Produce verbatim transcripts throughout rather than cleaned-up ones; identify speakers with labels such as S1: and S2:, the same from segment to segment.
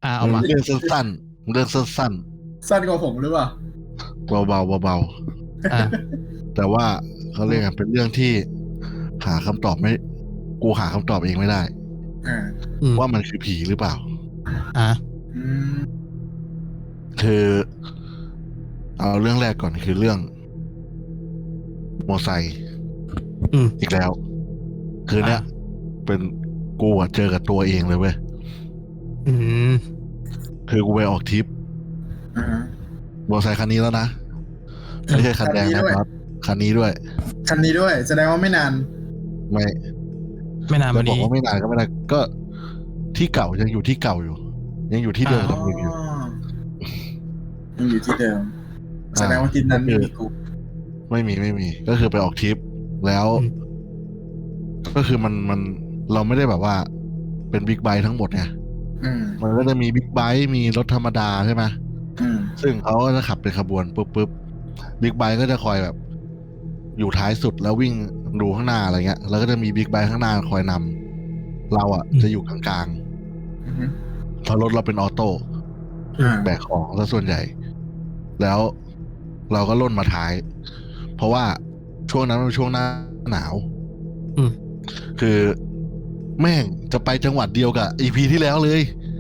S1: อ่าเอามา
S2: เรื่องสั้นๆเรื่องสั้น
S3: สั้นกว่าผมหรือเปล่า
S2: ๆเบาๆเบา
S1: อ่า
S2: ๆแต่ว่าเขาเรียกกันเป็นเรื่องที่หาคำตอบไม่กูหาคำตอบเองไม่ได้
S3: อ่า
S1: อืม
S2: ว่ามันคือผีหรือเปล่า
S1: อ่า
S3: อืม
S2: คือเอาเรื่องแรกก่อนคือเรื่องมอไซค์
S1: อืม
S2: อีกแล้ว คือเนี้ย
S1: อ่า
S2: เป็นกูอะเจอกับตัวเองเลยเว้ย
S1: อืม
S2: คือกูไปออกทริป
S3: อ่าฮะ
S2: มอไซค์คันนี้แล้วนะ ไม่ใช่คันแดง
S3: คันนี้
S2: นะ
S3: ด้วย
S2: ครับคันนี้ด้วย
S3: คันนี้ด้วย แสดงว่าไม่นาน
S2: ไม่
S1: ไม่นาน
S2: จะ
S1: มา
S2: บอก
S1: นี้
S2: ว่าไม่นานก็ไม่ได้ก็ที่เก่ายังอยู่ที่เก่าอยู่ ยังอยู่ที่เดิม
S1: อ่า
S2: กับมึงอยู่
S3: ยังอยู่ที่เดิม แสดงว่าทริปนั้นไม่มีกู
S2: ไม่มีไม่มี ก็คือไปออกทริปแล้ว
S1: อืม
S2: ก็คือมันมันเราไม่ได้แบบว่า เป็นบิ๊กไบค์ทั้งหมดไง
S3: อืม
S2: มันก็จะมีบิ๊กไบค์มีรถธรรมดาใช่ไหม
S3: อืม
S2: ซึ่งเขาก็จะขับเป็นขบวนปุ๊บปุ๊บบิ๊กไบค์ก็จะคอยแบบ อยู่ท้ายสุดแล้ววิ่งดูข้างหน้าอะไรเงี้ย แล้วก็จะมีบิ๊กไบค์ข้างหน้าคอยนำเราอ่ะ
S1: อืม
S2: จะอยู่กลาง
S3: อืม
S2: ๆเพราะรถเราเป็นออโต้
S3: อ่า
S2: แบกของซะส่วนใหญ่ แล้วเราก็ล่นมาท้าย เพราะว่าช่วงนั้นมันเป็นช่วงหน้าหนาว
S1: อืม
S2: คือแม่งจะไปจังหวัดเดียวกับอีพีที่แล้วเลย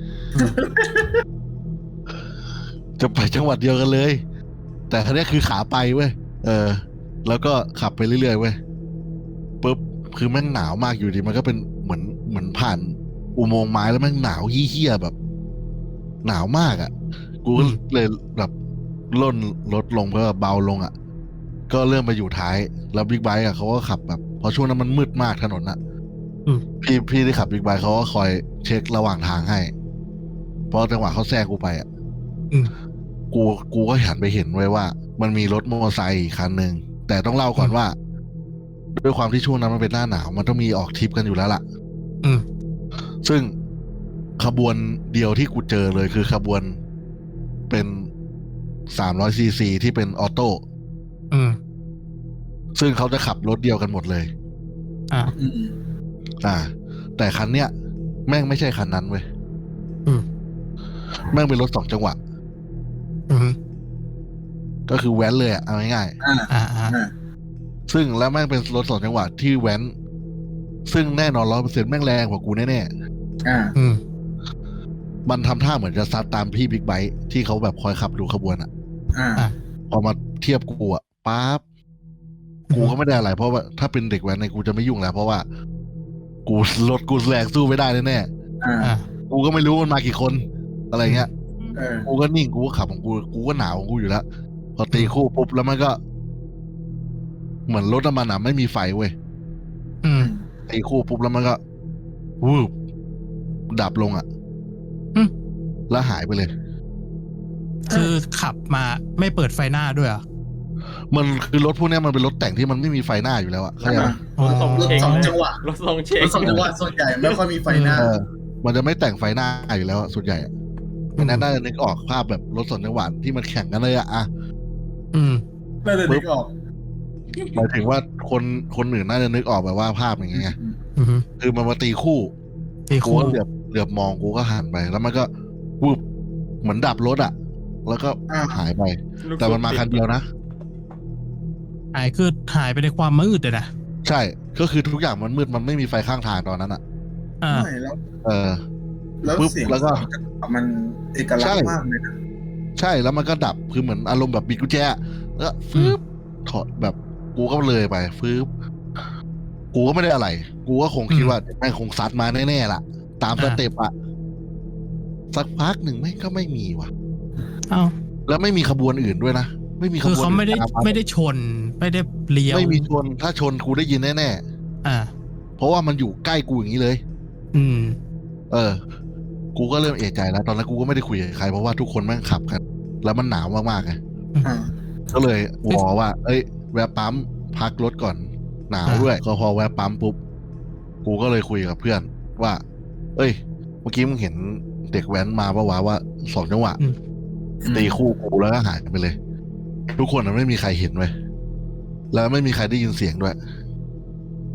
S2: จะไปจังหวัดเดียวกันเลย แต่ครั้งนี้คือขาไปเว้ย เออ แล้วก็ขับไปเรื่อยๆเว้ย ปุ๊บ คือแม่งหนาวมากอยู่ดี มันก็เป็นเหมือนเหมือนผ่านอุโมงค์ไม้แล้วแม่งหนาวเหี้ยๆแบบ หนาวมากอ่ะ กูก็
S1: อืม
S2: เลยแบบล่นรถลงเพื่อเบาลงอ่ะ ก็เริ่มไปอยู่ท้าย แล้วบิ๊กไบค์อ่ะเขาก็ขับแบบเพราะช่วงนั้นมันมืดมากถนนอ่ะ
S1: อืม
S2: พี่พี่ที่ขับบิ๊กไบค์เขาก็คอยเช็คระหว่างทางให้ เพราะจังหวะเขาแซงกูไปอ่ะ
S1: อืม
S2: กูกูก็หันไปเห็นไว้ว่า มันมีรถมอเตอร์ไซค์อีกคันหนึ่งแต่ต้องเล่าก่อนว่า ด้วยความที่ช่วงนั้นมันเป็นหน้าหนาวมันต้องมีออกทริปกันอยู่แล้วล่ะ
S1: อืม
S2: ซึ่งขบวนเดียวที่กูเจอเลยคือขบวนเป็นสามร้อยซีซีที่เป็นออโต้
S1: อืม
S2: ซึ่งเขาจะขับรถเดียวกันหมดเลย
S1: อ่า
S3: อืม
S2: อ่า แต่คันเนี้ยแม่งไม่ใช่คันนั้นเว้ย
S1: อืม
S2: แม่งเป็นรถสองจังหวะ
S1: อืม
S2: ก็คือแว้นเลยอะเอาง่าย
S3: อ่า
S1: อ่า อ่า
S3: อ่า
S2: ๆซึ่งแล้วแม่งเป็นรถสองจังหวะที่แว้น ซึ่งแน่นอนร้อยเปอร์เซ็นต์แม่งแรงกว่ากูแน่
S3: อ่า
S1: อืม
S2: ๆมันทำท่าเหมือนจะซัดตามพี่บิ๊กไบค์ที่เขาแบบคอยขับดูขบวนอะ
S3: อ่า
S1: อ่า
S2: พอมาเทียบกูอะปั๊บกูก็ไม่ได้อะไร เพราะว่าถ้าเป็นเด็กแว้นในยกูจะไม่ยุ่งแล้ว เพราะว่า กูรถกูแรงสู้ไม่ได้แน่
S3: อ่า
S1: อ่า
S2: ๆกูก็ไม่รู้มันมากี่คน อะไรเงี้ย
S3: เออ
S2: กูก็นิ่งกูก็ขับของกูกูก็หนาวของกูอยู่แล้วพอตีคู่ปุ๊บแล้วมันก็ เหมือนรถน้ำมันอ่ะไม่มีไฟเว้ย
S1: อืม
S2: ตีคู่ปุ๊บแล้วมันก็วูบดับลงอ่ะ
S1: อืม
S2: แล้วหายไปเลย
S1: คือขับมาไม่เปิดไฟหน้าด้วยเหรอ่ะ
S2: มันคือรถพวกเนี้ยมันเป็นรถแต่งที่มันไม่มีไฟหน้าอยู่แล้วอ่ะเข้าใจปะ
S1: อ๋อ
S4: รถทรง
S3: รถ
S4: เชง
S3: สอง
S4: เลย
S3: จังหวะ
S4: รถทรงเชง
S3: รถสองจังหวะส่วนใหญ่ไม่ค่อยมีไฟหน้า
S2: เออ มันจะไม่แต่งไฟหน้าอยู่แล้วอะส่วนใหญ่อะไม่น่าจะนึกออกภาพแบบรถสองจังหวะที่มันแข่งกันเลยอะอะ
S1: อืม
S3: น่าจะนึกออก
S2: หมายถึงว่าคนคนอื่นน่าจะนึกออกแบบว่าภาพอย่างเงี้ย
S1: อืม
S2: คือมันมาตีคู่
S1: ตี
S2: กู
S1: คู่
S2: ก็เหลือบเหลือบมองกูก็หันไป แล้วมันก็วูบเหมือนดับรถอ่ะ แล้วก็
S3: อ่า
S2: หายไป
S4: ลูก
S2: แต่มันมาคันเดียวนะ
S1: หายคือหายไปในความมืดเลยนะ
S2: ใช่ ก็คือทุกอย่างมันมืดมันไม่มีไฟข้างทางตอนนั้นอ่ะ
S1: อ่า
S3: ไม่แล้ว
S2: เออ
S3: แล้ว
S2: ปุ๊บ
S3: เสียง
S2: แล้วก็
S3: สองจังหวะมันเอกลัก
S2: ใช่
S3: ษณ์มากเลยนะ
S2: ใช่แล้วมันก็ดับคือเหมือนอารมณ์แบบบิดกุญแจแล้วก็ฟืบถอดแบบกูก็เลยไปฟืบกูก็ไม่ได้อะไร กูก็คงคิดว่าแม่งคงซัดมาแน่ๆล่ะ ตามสเต็ปอะสักพักหนึ่งแม่งก็ไม่มีว่ะ
S1: เอ้า
S2: แล้วไม่มีขบวนอื่นด้วยนะไม่มีข
S1: คือบ
S2: วน
S1: เขาไม่ได้
S2: อื่นตาา
S1: ไม่ได้ชน ไม่ได้เลี้ยว
S2: ไม่มีชนถ้าชนกูได้ยินแน่
S1: อ่า
S2: ๆเพราะว่ามันอยู่ใกล้กูอย่างนี้เลย
S1: อืม
S2: เออ กูก็เริ่มเอะใจแล้ว ตอนนั้นกูก็ไม่ได้คุยกับใครเพราะว่าทุกคนแม่งขับกัน แล้วมันหนาวมากๆไง
S3: อ่า
S2: ก็เลยวอว่า เอ้ย แวะปั๊มพักรถก่อน หนาวด้วย ก็พอแวะปั๊มปุ๊บ กูก็เลยคุยกับเพื่อนว่า เอ้ย เมื่อกี้มึงเห็นเด็กแว้นมาปะวะว่าสองจังหวะ
S1: อืม
S2: ตีคู่กูแล้วก็หายไปเลย ทุกคนมันไม่มีใครเห็นเว้ยแล้วไม่มีใครได้ยินเสียงด้วย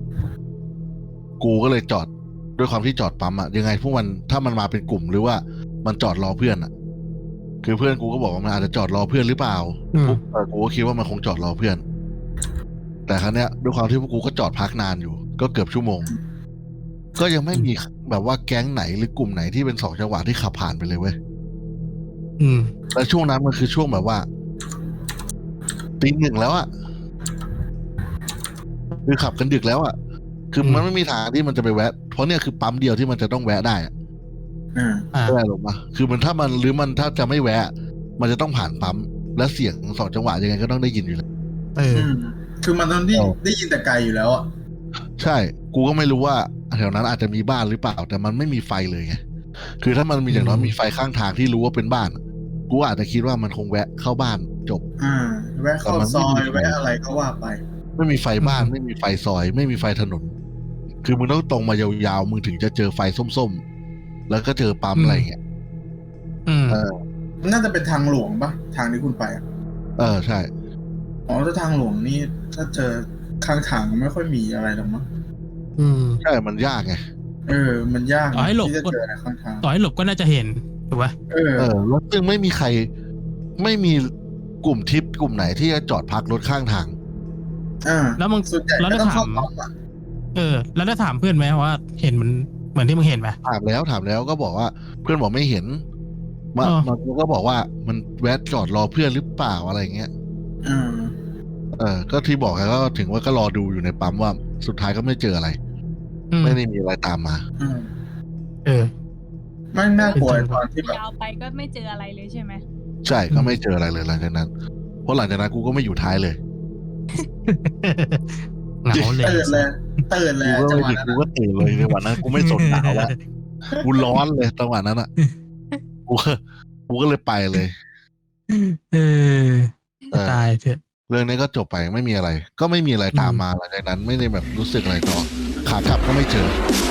S2: กูก็เลยจอดด้วยความที่จอดปั๊มอะยังไงพวกมันถ้ามันมาเป็นกลุ่มหรือว่ามันจอดรอเพื่อนอ่ะ คือเพื่อนกูก็บอกว่ามันอาจจะจอดรอเพื่อนหรือเปล่า
S1: อืม
S2: พวกเออกูก็คิดว่ามันคงจอดรอเพื่อน แต่ครั้งเนี้ยด้วยความที่พวกกูก็จอดพักนานอยู่ ก็เกือบชั่วโมง ก็ยังไม่มีแบบว่าแก๊งไหนหรือกลุ่มไหนที่เป็นสองจังหวะที่ขับผ่านไปเลยเว้ย
S1: อืม
S2: แล้วช่วงนั้นมันคือช่วงแบบว่าตีหนึ่งแล้วอะคือขับกันดึกแล้วอะคือมันไม่มีทางที่มันจะไปแวะ เพราะเนี่ยคือปั๊มเดียวที่มันจะต้องแวะได้อะ
S3: อ่า
S1: อ่า
S2: ได้หรอปะคือมันถ้ามันหรือมันถ้าจะไม่แวะ มันจะต้องผ่านปั๊มและเสียงสองจังหวะยังไงก็ต้องได้ยินอยู่แล้ว
S1: เออ
S3: อืมคือมันตอนที่
S2: อ๋อ
S3: ได้ยินแต่ไกลอยู่แล้วอ่ะ
S2: ใช่ กูก็ไม่รู้ว่าแถวนั้นอาจจะมีบ้านหรือเปล่า แต่มันไม่มีไฟเลยไง คือถ้ามันมีอย่างน้อย
S1: อืม
S2: มีไฟข้างทางที่รู้ว่าเป็นบ้าน กูอาจจะคิดว่ามันคงแวะเข้าบ้านจบ
S3: อ่า แวะเข้า
S2: แต่มัน
S3: ซ
S2: ไม่
S3: อ
S2: มี
S3: ย
S2: ไฟ
S3: แวะอะไรก็ว่าไป
S2: ไม่มีไฟบ้าน
S1: อืม
S2: ไม่มีไฟซอย ไม่มีไฟถนน คือมึงต้องตรงมายาวๆ มึงถึงจะเจอไฟส้มๆ แล้วก็เจอปั๊มอะไรอย่างเงี้ย
S1: อืม
S2: เออ
S3: มันน่าจะเป็นทางหลวงปะทางที่คุณไปอ่ะ
S2: เออใช่
S3: อ๋อถ้าทางหลวงนี่ถ้าเจอข้างทางไม่ค่อยมีอะไรหรอกมั้ง
S1: อืม
S2: ใช่ มันยากไง
S3: เออ มันยาก
S1: ต่อให้หลบ
S3: ที่จะเจออะไรข้างทาง
S1: ต่อให้หลบก็น่าจะเห็นถูกปะ
S3: เออ
S2: เออ แล้วซึ่งไม่มีใคร ไม่มีกลุ่มทริปกลุ่มไหนที่จะจอดพักรถข้างทาง
S3: อ่า
S1: แล้วมึง
S3: ส่วนใหญ่
S1: แล้ว
S3: ก็
S1: ได้
S3: ต้อง
S1: ถา
S3: เข้าม ปั๊มอ่ะ
S1: เออ แล้วได้ถามเพื่อนไหมว่าเห็นมันเหมือนที่มึงเห็นไหม
S2: ถามแล้วถามแล้วก็บอกว่าเพื่อนบอกไม่เห็นมา
S1: อ๋อ
S2: มันก็บอกว่ามันแวะจอดรอเพื่อนหรือเปล่าอะไรเงี้ย
S3: อ่า
S2: เออ ก็ที่บอกไงก็ถึงว่าก็รอดูอยู่ในปั๊มว่าสุดท้ายก็ไม่เจออะไร
S1: อืม
S2: ไม่ได้มีอะไรตามมา
S3: อืม
S1: เออ
S3: ไม่น่ากลัว
S1: เป็นจังหวะ
S3: ตอนที่แบบ
S4: ยาวไปก็ไม่เจออะไรเลยใช่ไหม
S2: ใช่ก็ไม่เจออะไรเลยหลังจากนั้น เพราะหลังจากนั้นกูก็ไม่อยู่ท้ายเลย
S1: เหงาเลย
S3: ตื่นเลยตื่นเลย
S2: กูก็
S3: จัง
S2: ไม่
S3: หวะ
S2: ถึง
S3: นั้น
S2: กูก็ตื่นเลยในวันนั้นกูไม่สนหนาวแล้วกูร้อนเลยจังหวะนั้นอ่ะกูก็กูก็เลยไปเลย
S1: เออ
S2: เออ
S1: ตายเถอะ
S2: เรื่องนี้ก็จบไปไม่มีอะไร ก็ไม่มีอะไรตามมาหลังจากนั้นไม่ได้แบบรู้สึกอะไรต่อขากลับก็ไม่เจอ